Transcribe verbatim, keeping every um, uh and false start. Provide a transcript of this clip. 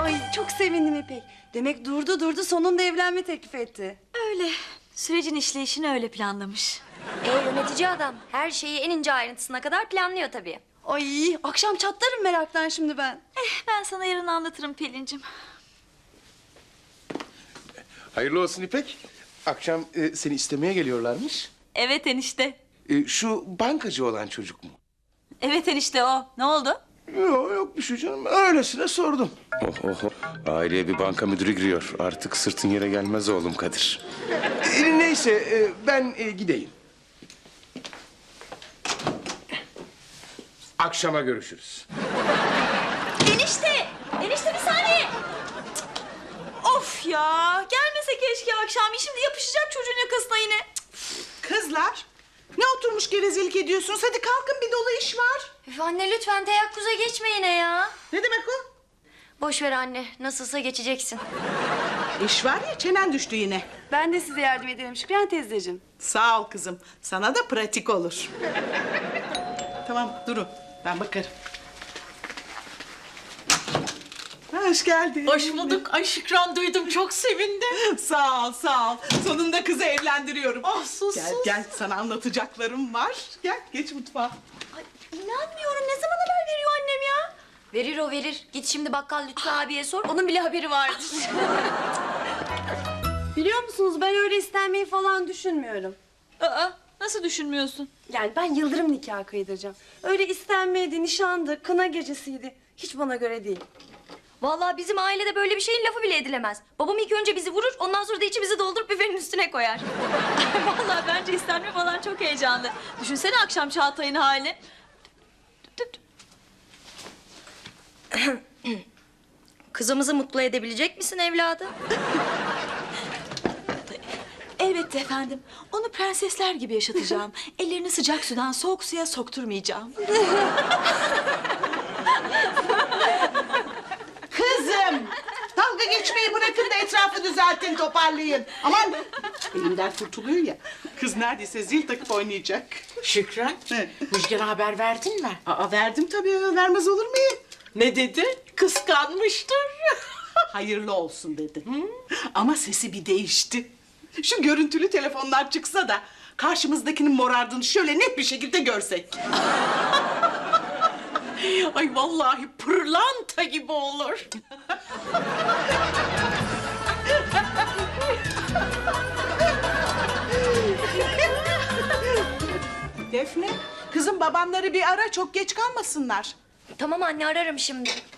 Ay çok sevindim İpek. Demek durdu durdu sonunda evlenme teklif etti. Öyle. Sürecin işleyişini öyle planlamış. E yönetici adam her şeyi en ince ayrıntısına kadar planlıyor tabii. Ay akşam çatlarım meraktan şimdi ben. Eh, ben sana yarın anlatırım Pelin'cim. Hayırlı olsun İpek. Akşam e, seni istemeye geliyorlarmış. Evet enişte. E, şu bankacı olan çocuk mu? Evet enişte o. Ne oldu? Yok yok bir şey canım. Öylesine sordum. Oh, oh, oh. Aileye bir banka müdürü giriyor. Artık sırtın yere gelmez oğlum Kadir. E, neyse e, ben e, gideyim. Akşama görüşürüz. Enişte! Enişte bir saniye! Cık. Of ya! Gelmese keşke akşam. Şimdi yapışacak çocuğun yakasına yine. Cık. Kızlar, ne oturmuş gevezelik ediyorsunuz? Hadi kalkın, bir dolu iş var. Üf anne lütfen teyakkuza geçme yine ya. Ne demek o? Boş ver anne nasılsa geçeceksin. İş var ya, çenen düştü yine. Ben de size yardım ederim Şükran teyzeciğim. Sağ ol kızım, sana da pratik olur. Tamam, durun. Ben bakarım. Hoş geldin. Hoş bulduk. Ay Şükran duydum. Çok sevindim. Sağ ol, sağ ol. Sonunda kızı evlendiriyorum. Ah sus Gel, sus. gel. Sana anlatacaklarım var. Gel, geç mutfağa. Ay, inanmıyorum ne zaman haber veriyor annem ya? Verir o verir. Git şimdi bakkal Lütfü abiye sor. Onun bile haberi vardır. Biliyor musunuz ben öyle istenmeyi falan düşünmüyorum. Aa, nasıl düşünmüyorsun? Yani ben yıldırım nikahı kıydıracağım. Öyle istenmeydi, nişandı, kına gecesiydi. Hiç bana göre değil. Vallahi bizim ailede böyle bir şeyin lafı bile edilemez. Babam ilk önce bizi vurur, ondan sonra da içimizi doldurup büfenin üstüne koyar. Vallahi bence istenme falan çok heyecanlı. Düşünsene akşam Çağatay'ın halini. Kızımızı mutlu edebilecek misin evladım? Elbette efendim. Onu prensesler gibi yaşatacağım. Ellerini sıcak sudan soğuk suya sokturmayacağım. Kızım! Dalga geçmeyi bırakın da etrafı düzeltin, toparlayın. Aman! Elimden kurtuluyor ya. Kız neredeyse zil takıp oynayacak. Şükran, Ne? Müjgan'a haber verdin mi? Aa, verdim tabii, vermez olur muyum? Ne dedi? Kıskanmıştır. Hayırlı olsun dedi. Ama sesi bir değişti. Şu görüntülü telefonlar çıksa da karşımızdakinin morardığını şöyle net bir şekilde görsek. Ay vallahi pırlanta gibi olur. Defne, kızım babamları bir ara, çok geç kalmasınlar. Tamam anne ararım şimdi.